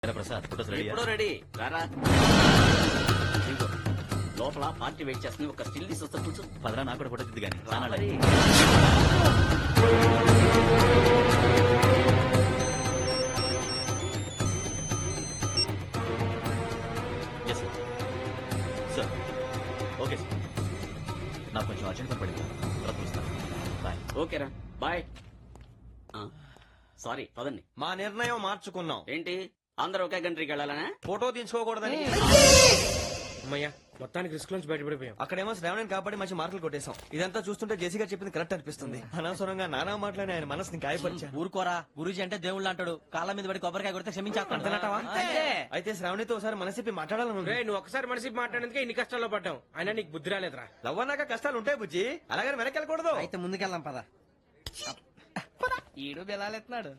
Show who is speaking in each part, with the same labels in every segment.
Speaker 1: Prasad photos ready
Speaker 2: ఎప్పుడో ready రారా ఇదిగో, లోపల పార్టీ వెయిట్ చేస్తుంది. ఒక స్టిల్ తీసి వస్తా కూర్చో.
Speaker 1: పదరా నాకు కూడా ఫోటో తిద్ది కానీ
Speaker 2: రా మరి.
Speaker 1: సార్ ఓకే సార్ నాకు కొంచెం అర్జెంట్ పని పడింది తర్వాత పిలుస్తాను బాయ్.
Speaker 2: ఓకేరా బాయ్. సారీ పదండి.
Speaker 3: మా నిర్ణయం మార్చుకున్నాం.
Speaker 2: ఏంటి అందరూ ఒకే కంట్రీకి వెళ్ళాలనా?
Speaker 3: ఫోటో తీసుకోకూడదని.
Speaker 4: అమ్మయ్యా మొత్తానికి రిస్క్ నుంచి బయటపడిపోయాం.
Speaker 3: అక్కడేమో శ్రావణిని కాబట్టి మంచి మార్కులు కొట్టేశాం. ఇదంతా చూస్తుంటే జేసీ గారు చెప్పింది కరెక్ట్ అనిపిస్తుంది. అనవసరంగా నానా మాటలని ఆయన మనసుని గాయపరిచా.
Speaker 5: ఊరుకోరా, గురూజీ అంటే దేవుళ్ళు అంటాడు. కాళ్ళ మీద పడి కొబ్బరికాయ కొడితే క్షమించేస్తానంటావా?
Speaker 3: అయితే శ్రావణితో ఒకసారి మనసిప్పి మాట్లాడాలను.
Speaker 4: రే నువ్వు ఒకసారి మనిషి మాట్లాడేందుకే ఇన్ని కష్టాల్లో పడ్డాం. అయినా నీకు బుద్ధి రాలేదురా.
Speaker 3: లవ్ అన్నాక కష్టాలు ఉంటాయి బుజ్జి, అలాగని వెనక్కి వెళ్ళకూడదు.
Speaker 5: అయితే ముందుకెళ్దాం పద. ఈడు బెలాలెత్తున్నాడు.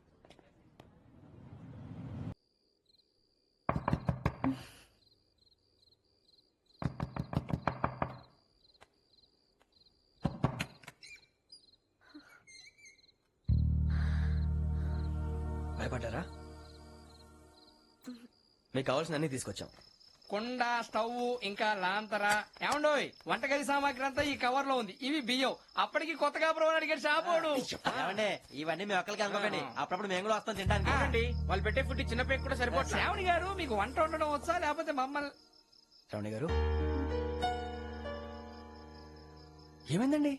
Speaker 3: భయపడ్డారా? మీకు కావాల్సిన అన్ని తీసుకొచ్చాం.
Speaker 6: కుండ, స్టవ్, ఇంకా లాంతర. ఏమండోయ్, వంటగది సామాగ్రి అంతా ఈ కవర్ లో ఉంది. ఇవి బియ్యం. అప్పటికి కొత్తగా బ్రో అడిగాడు షాపోడు.
Speaker 5: ఏమండి ఇవన్నీ మీ ఒక్కరికి అనుకోకండి, అప్పుడప్పుడు మేము కూడా వస్తాం తినడానికి.
Speaker 4: ఏంటండి వాళ్ళు పెట్టే ఫుడ్ చిన్న పేరు కూడా సరిపోతుంది.
Speaker 6: శ్రావణి గారు మీకు వంట వండడం వచ్చా లేకపోతే మమ్మల్ని?
Speaker 3: శ్రావణి గారు ఏమైందండి?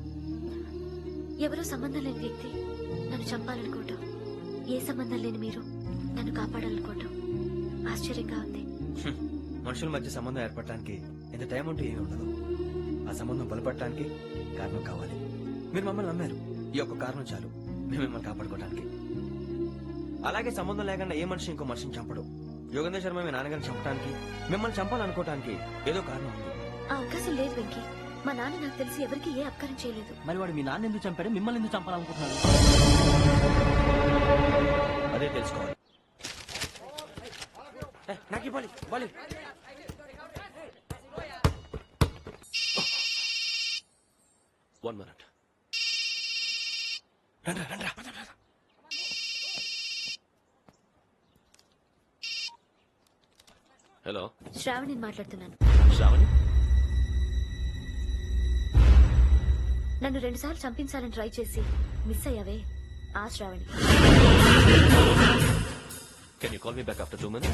Speaker 7: ఎవరో సంబంధం లేని వ్యక్తి నన్ను చంపాలనుకోవటం, ఏ సంబంధం లేని మీరు నన్ను కాపాడాలనుకోవటం ఆశ్చర్యంగా ఉంది.
Speaker 3: మనుషుల మధ్య సంబంధం ఏర్పడటానికి ఎంత టైం ఉంటే ఏమి ఉండదు. ఆ సంబంధం బలపడటానికి కారణం కావాలి. మీరు మమ్మల్ని నమ్మారు, ఈ ఒక్క కారణం చాలు మేము మిమ్మల్ని కాపాడుకోవడానికి. అలాగే సంబంధం లేకుండా ఏ మనిషి ఇంకో మనిషిని చంపడు. యోగేంద్ర శర్మ మీ నాన్నగారిని చంపడానికి, మిమ్మల్ని చంపాలనుకోవటానికి ఏదో కారణం ఉంది.
Speaker 7: ఆ అవకాశం లేదు వెంకీ. మా నాన్న నాకు తెలిసి ఎవరికి ఏ అపకారం చేయలేదు.
Speaker 5: మరి వాడు మీ నాన్న ఎందుకు చంపాడు, మిమ్మల్ని ఎందుకు చంపాలనుకుంటున్నాడు?
Speaker 3: అదే తెలుసుకోవాలి.
Speaker 4: నాకు ఇవ్వాలి బాలి.
Speaker 1: One minute. హలో
Speaker 7: శ్రావణి మాట్లాడుతున్నాను.
Speaker 1: శ్రావణి,
Speaker 7: నన్ను 2 సార్లు చంపించాలని ట్రై చేసి మిస్ అయ్యావే, ఆ Shravani.
Speaker 1: Can you call me back after 2 minutes?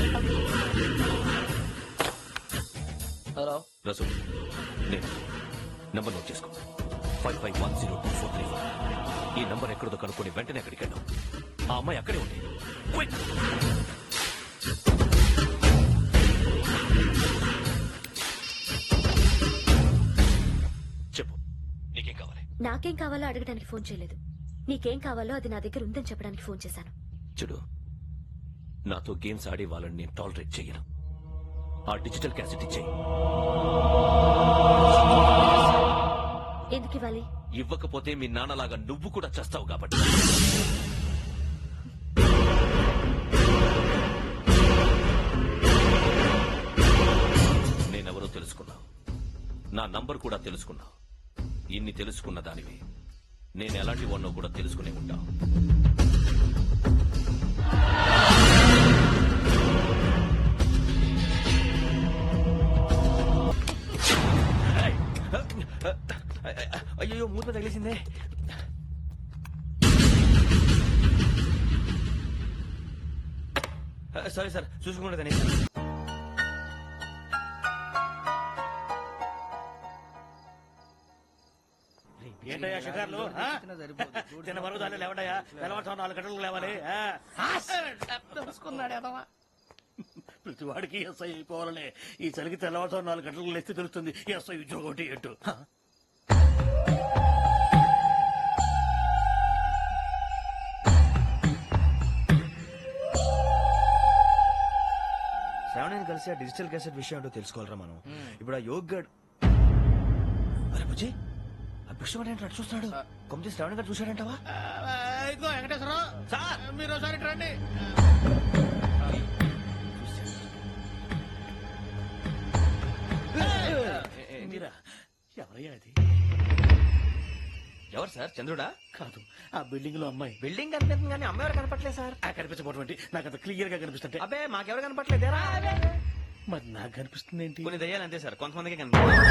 Speaker 5: Hello
Speaker 1: Rasool, నేను నంబర్ నోట్ చేసుకో. 55102434. ఈ నంబర్ ఎక్కడదో కనుక్కొని వెంటనే అక్కడికి వెళ్ళాం. ఆ అమ్మాయి అక్కడే ఉంది. Quick! చెప్పు, నీకేం కావాలి?
Speaker 7: నాకేం కావాలో అడగడానికి ఫోన్ చేయలేదు. నీకేం కావాలో అది నా దగ్గర ఉందని చెప్పడానికి ఫోన్ చేశాను.
Speaker 1: చూడు, నాతో గేమ్స్ ఆడే వాళ్ళని నేను టాలరేట్ చెయ్యను. ఆ డిజిటల్ క్యాసెట్ ఇచ్చేయి.
Speaker 7: ఎందుకు ఇవ్వాలి?
Speaker 1: ఇవ్వకపోతే మీ నాన్నలాగా నువ్వు కూడా చేస్తావు కాబట్టి. నేనెవరో తెలుసుకున్నావు, నా నంబర్ కూడా తెలుసుకున్నావు. ఇన్ని తెలుసుకున్న దానివి నేను ఎలాంటి వాడినో కూడా తెలుసుకునే ఉంటావు.
Speaker 3: అయ్యో మూత తగిలేసిందే. Sorry sir, చూసుకుంటుందని.
Speaker 8: ఏంటయ్యా షికార్లు? తిన్న వరకు దాన్ని లేవడయ్యా. తెల్లవారుతో 4 గంటలకు లేవాలి. ప్రతి వాడికి ఎస్ఐ అయిపోవాలనే ఈ చలికి తెల్లవారుతో 4 గంటలకు లేస్తే తెలుస్తుంది ఎస్ఐ ఉద్యోగం ఒకటి ఏంటో.
Speaker 3: శ్రావణిని కలిసి ఆ డిజిటల్ క్యాసెట్ విషయం ఏంటో తెలుసుకోవాలరా మనం. ఇప్పుడు ఆ యోగ్ గడ్, అరే బుజ్జి, ఆ బిషప్ ఏంటో అటు చూస్తున్నాడు. కొమ్మిది శ్రావణి గారు చూశాడంటావా?
Speaker 8: ఇదిగో వెంకటేశ్వరరావు సార్, మీరు ఒకసారి రండి. మీరా? ఎవరయ్యా అది?
Speaker 3: ఎవరు సార్ చంద్రుడా?
Speaker 8: కాదు, ఆ బిల్డింగ్ లో అమ్మాయి.
Speaker 3: బిల్డింగ్ కనిపిస్తుంది కానీ అమ్మ ఎవరు కనపట్లేదు సార్.
Speaker 8: ఆ కనిపించబోటువంటి నాకు అంత క్లియర్ గా కనిపిస్తుంటే
Speaker 3: అబ్బే మాకెవరు కనపట్లేదేరా?
Speaker 8: మరి నాకు కనిపిస్తుంది ఏంటి?
Speaker 3: కొన్ని దయ్యాలు అంతే సార్, కొంతమందికి కనిపిస్తుంది.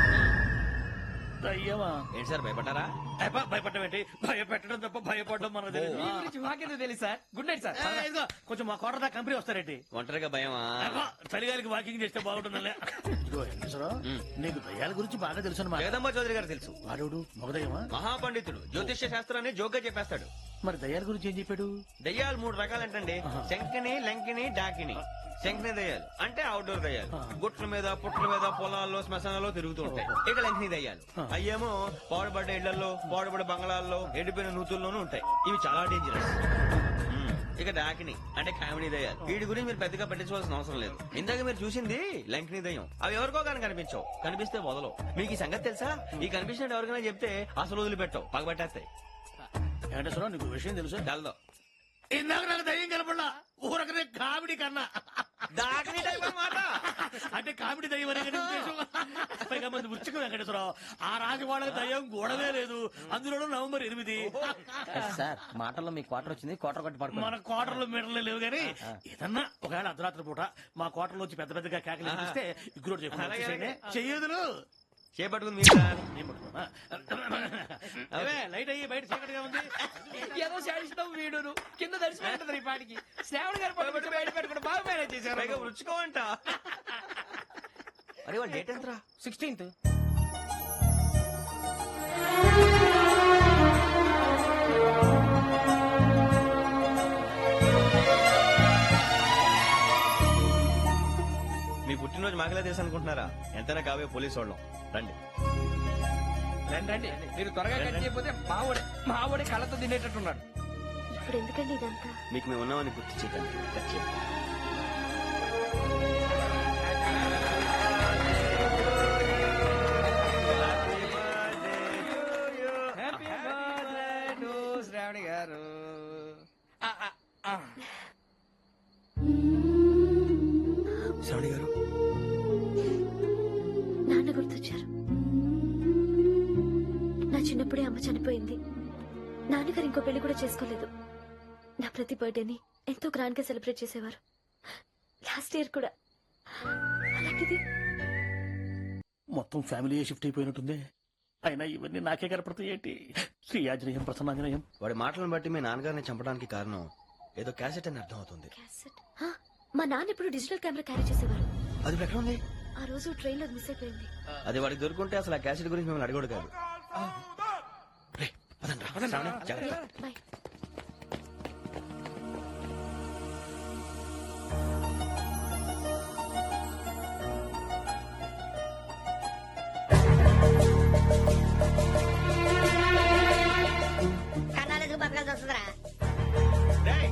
Speaker 8: అయ్యవా,
Speaker 3: ఏంటి సార్ భయపడ్డారా?
Speaker 8: భయపడడం ఏంటి? భయపెట్టడం తప్ప భయపడడం మనకు తెలియదు.
Speaker 6: మీ గురించి మాకెందుకు తెలుసు సార్. Good night sir.
Speaker 8: ఇదిగో, కొంచెం మా కోట దాకా కంపెనీ వస్తారేంటి?
Speaker 3: ఒంటరిగా భయమా?
Speaker 8: చలిగాలికి వాకింగ్ చేస్తే బాగుంటుందిలే. ఇదిగో వెంకటేశ్వరరావు, నీకు దయ్యాల గురించి బాగా తెలుసు అన్నమాట.
Speaker 3: జగదంబ చౌదరి గారు తెలుసు.
Speaker 8: వాడు మగదయ్యమా?
Speaker 3: మహాపండితుడు, జ్యోతిష్య శాస్త్రాన్ని జోగ్గా చెప్పేస్తాడు.
Speaker 8: మరి దయ్యాల గురించి ఏం చెప్పాడు?
Speaker 3: దయ్యాలు 3 రకాలంటండి. శంకిని, లంకిని, డాకిని. శంకిని దయ్యాలు అంటే అవుట్డోర్ దయ్యాలు, గుట్ల మీద పుట్ల మీద పొలాల్లో శ్మశానాల్లో తిరుగుతూ ఉంటాయి. ఇక లంకిని దయ్యాలు అయ్యేమో పాడుబడ్డ ఇళ్లలో, పాడుబడ్డ బంగ్లాల్లో, ఎండిపోయిన నూతుల్లోనూ ఉంటాయి. ఇవి చాలా డేంజరస్. ఇక డాకిని అంటే కామెడీ దయ్యాలు. వీటి గురించి మీరు పెద్దగా పట్టించుకోవాల్సిన అవసరం లేదు. ఇందాక మీరు చూసింది లంకిని దయ్యం. అవి ఎవరికో కానీ కనిపించవు, కనిపిస్తే వదలవు. మీకు ఈ సంగతి తెలుసా? ఈ కనిపించినట్టు ఎవరికైనా చెప్తే అసలు వదిలిపెట్టవు, పగబట్టేస్తాయి.
Speaker 8: వెంకటేశ్వరరావు, నీకు విషయం తెలుసు?
Speaker 3: డల్దో
Speaker 8: ఇందాక నాకు దయ్యం కనపడలా, ఊరకనే కామెడీ కన్నా.
Speaker 3: డాకిని టైప్ అన్నమాట.
Speaker 8: అంటే కామెడీ దయ్యం అనే కదా ఉద్దేశం. పైగా మంది ఉచ్చకం వెంకటేశ్వరరావు, ఆ రాజు వాళ్ళకి దయ్యం గొడవే లేదు. అందులోనూ నవంబర్ 8.
Speaker 5: సార్ మాటల్లో మీ క్వార్టర్ వచ్చింది, క్వార్టర్ కొట్టి పడుకో.
Speaker 8: మన కోటర్లో మీటర్లు లేవు గానీ ఏదన్నా ఒకవేళ అర్ధరాత్రి పూట మా కోటర్లో వచ్చి పెద్ద పెద్దగా కేకలు ఇస్తే ఇగ్గురు చెయ్యదులు
Speaker 3: చేపట్టుకుంది మీరు సార్.
Speaker 8: అవే లైట్ అయ్యి బయట చీకటిగా ఉంది.
Speaker 6: ఏదో శాడిస్తాం వీడును కింద దర్శనం ఈ పాటికి. శ్రావణ్ గారు పట్టుబట్టి బయట పెట్టుకుని బాగా మేనేజ్ చేశారు.
Speaker 3: పైగా రుచుకోవంట. అరే వాళ్ళ డేట్ ఎంతరా?
Speaker 6: 16th.
Speaker 3: మీ పుట్టినరోజు మాకలే తెలుసు అనుకుంటున్నారా? ఎంతైనా కావే పోలీసు వాళ్ళం. రండి
Speaker 6: రండి రండి, మీరు త్వరగా కట్ చేయకపోతే మావోడే కళ్ళతో తినేటట్టున్నాడు.
Speaker 7: ఇప్పుడు ఎందుకండి ఇదంతా?
Speaker 3: మీకు మేము ఉన్నామని గుర్తు చేయకండి.
Speaker 6: హ్యాపీ బర్త్డే టు శ్రావణి గారు.
Speaker 3: శ్రావణి గారు,
Speaker 7: నాన్న గుర్తొచ్చారు. నా చిన్నప్పుడే అమ్మ చనిపోయింది. నాన్నగారు ఇంకో పెళ్లి కూడా చేసుకోలేదు. నా ప్రతి బర్త్డేని ఎంతో గ్రాండ్ గా సెలబ్రేట్ చేసేవారు. లాస్ట్ ఇయర్ కూడా. అలాంటిది
Speaker 8: మొత్తం ఫ్యామిలీ షిఫ్ట్ అయిపోయినట్టుంది. అయినా ఇవన్నీ నాకే కనపడతాయి ఏంటి? శ్రీ ఆంజనేయం ప్రసన్నాంజనేయం.
Speaker 3: వాడి మాటలను బట్టి మీ నాన్నగారిని చంపడానికి కారణం ఏదో క్యాసెట్ అని అర్థం అవుతుంది.
Speaker 7: క్యాసెట్. మా నాన్న ఇప్పుడు డిజిటల్ కెమెరా క్యారీ చేసేవారు.
Speaker 3: అది ఇప్పుడు ఎక్కడ ఉంది?
Speaker 7: ఆ రోజు ట్రైన్ లో మిస్ అయిపోయింది.
Speaker 3: అది వాడికి దొరుకుంటే అసలు ఆ క్యాసెట్ గురించి మిమ్మల్ని అడగడు కాదు. రేయ్, పదండ్రా. శ్రావణి, జాగ్రత్త.
Speaker 7: బాయ్.
Speaker 9: కన్నాలకు బతకాల్సి వస్తుందిరా.
Speaker 3: రేయ్,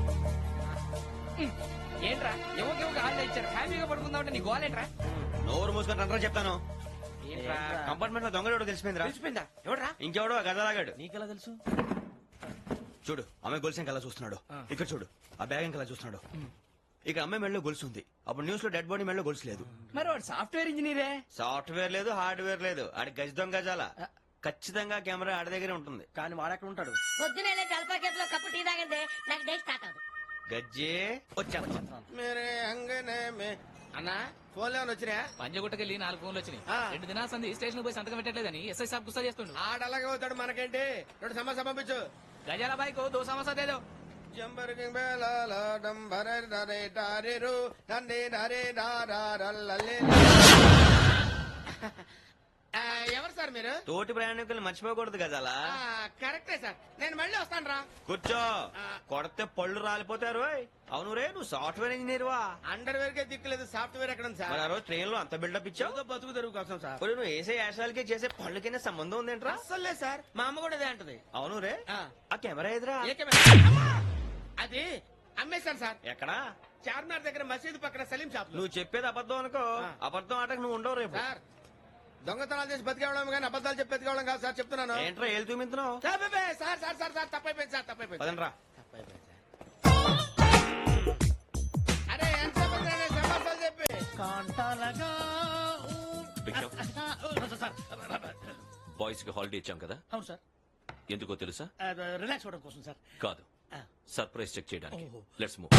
Speaker 6: ఏంట్రా ఎవరికి హాల్లో ఇచ్చారు, హ్యాపీగా పడుకుందామంటే నీ గోలేంట్రా?
Speaker 3: నోరు మూసుకొని రండ్రా చెప్తాను.
Speaker 6: ఏంట్రా
Speaker 3: కంపార్ట్మెంట్ లో దొంగడు తెలిసిపోయిందిరా.
Speaker 6: తెలిసిపోయిందా? ఎవడ్రా?
Speaker 3: ఇంకెవడో గదలాగాడు.
Speaker 5: నీకెలా తెలుసు?
Speaker 3: చూడు, ఆమె గొలుసు ఇంకలా చూస్తున్నాడు. ఇక్కడ చూడు, ఆ బ్యాగ్ ఇంకలా చూస్తున్నాడు. ఇక అమ్మాయి మెడలో గొలుసు ఉంది. అప్పుడు న్యూస్ లో డెడ్ బాడీ మెడలో గొలుసు లేదు.
Speaker 6: మరి వాడు సాఫ్ట్వేర్ ఇంజనీరే.
Speaker 3: సాఫ్ట్వేర్ లేదు, హార్డ్వేర్ లేదు. ఆడి గజ దొంగ గజాల. ఖచ్చితంగా కెమెరా ఆడి దగ్గరే ఉంటుంది.
Speaker 5: కానీ వాడెక్కడ ఉంటాడు?
Speaker 9: పొద్దునే జలపా కేసులో కప్పు టీ తాగంటే నాకు డే స్టార్ట్ అవుతుంది.
Speaker 3: గజ్జే వచ్చా.
Speaker 4: అన్నా ఫోన్ లో వచ్చినా?
Speaker 10: పంజగుట్టకెళ్ళి 4 ఫోన్లు వచ్చినాయి. 2 దినాల సంది స్టేషన్ పోయి సంతకం పెట్టలేదని ఎస్ఐ సాబ్ గుస్తా చేస్తుండు.
Speaker 4: ఆడలాగే అవుతాడు, మనకేంటి? 2 సమస్య పంపించు.
Speaker 10: గజాల బైక్ 2 సమస్య దేదో.
Speaker 4: ఎవరు సార్ మీరు?
Speaker 3: తోటి ప్రయాణికులు మర్చిపోకూడదు గజాల.
Speaker 4: కరెక్టే సార్, నేను మళ్ళీ వస్తాను రా.
Speaker 3: కూర్చో, కొడితే పళ్ళు రాలిపోతారు. అవును రే, నువ్వు సాఫ్ట్వేర్ ఇంజనీర్ వా?
Speaker 4: అండర్వేర్ కే దిక్కులేదు, సాఫ్ట్వేర్ ఎక్కడ ఉంది
Speaker 3: మరి
Speaker 4: సార్?
Speaker 3: ఆ రోజు ట్రైన్ లో అంత బిల్డప్ ఇచ్చావు.
Speaker 4: బతుకు తెరుగు కోసం సార్.
Speaker 3: ఇప్పుడు నువ్వు వేసే యాశాలకి చేసే పళ్ళకైనా సంబంధం ఉందేంట్రా?
Speaker 4: అస్సలు లేదు సార్, మా అమ్మ కూడా అదే అంటది.
Speaker 3: అవును రే,
Speaker 4: ఆ.
Speaker 3: ఆ కెమెరా ఎదురా?
Speaker 4: ఏ కెమెరా? అమ్మా! అది అమ్మేశాను సార్.
Speaker 3: ఎక్కడా?
Speaker 4: చార్మినార్ దగ్గర మసీదు పక్కన సలీం షాప్ లో.
Speaker 3: నువ్వు చెప్పేది అబద్ధం అనుకో.
Speaker 4: ఆ.
Speaker 3: అబద్ధం ఆటకు నువ్వు ఉండవు రేపు.
Speaker 4: సార్ దొంగతనాలు చేసి బతికేవడం కానీ అబద్ధాలు చెప్పి బతికేవడం కాదు సార్, చెప్తున్నాను.
Speaker 3: ఏంట్రా ఏళ్ళు చూపించినావు?
Speaker 4: Sir sir sir sir sir తప్పైపోయింది సార్, తప్పైపోయింది.
Speaker 3: పదండ్రా.
Speaker 4: తప్పైపోయింది సార్. అరే ఎంత సమాసాలు చెప్పి
Speaker 8: కాంటాలగా
Speaker 3: బిగ్ షాప్. బాయ్స్ కి హాలిడే ఇచ్చాం కదా,
Speaker 8: అవును సార్.
Speaker 1: ఎందుకో తెలుసా?
Speaker 8: రిలాక్స్ అవ్వడం కోసం సార్.
Speaker 1: కాదు, సర్ప్రైజ్ చెక్ చేయడానికి.
Speaker 8: ఓహో.
Speaker 1: Let's move.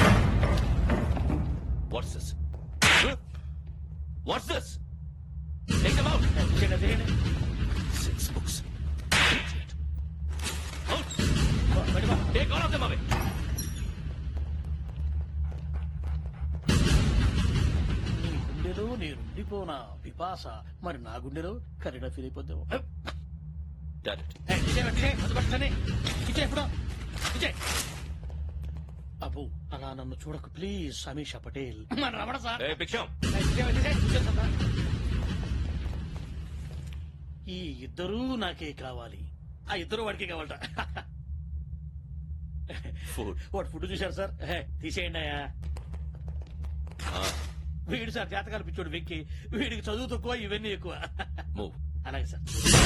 Speaker 1: What's this? What's this? Take them out. Six books. Out. Take all of them away.
Speaker 8: నీ గుండెలో నేనుండిపోనా పిపాస, మరి నా గుండెలో కరీడా ఫీల్ అయిపోద్దాము.
Speaker 1: Got it.
Speaker 8: అబ్బు అలా నన్ను చూడకు ప్లీజ్. సమీషా పటేల్ మన రమణ సార్.
Speaker 1: Hey, Biksham.
Speaker 8: ఈ ఇద్దరూ నాకే కావాలి. ఆ ఇద్దరు వాడికే కావాలట.
Speaker 1: Food.
Speaker 8: వాడు ఫుడ్ చూశారు సార్. తీసేయండి అయ్యా. వీడు సార్ జాతకాలు పిచ్చోడు వెక్కి, వీడికి చదువు తక్కువ ఇవన్నీ ఎక్కువ.
Speaker 1: Move.
Speaker 8: అలాగే సార్.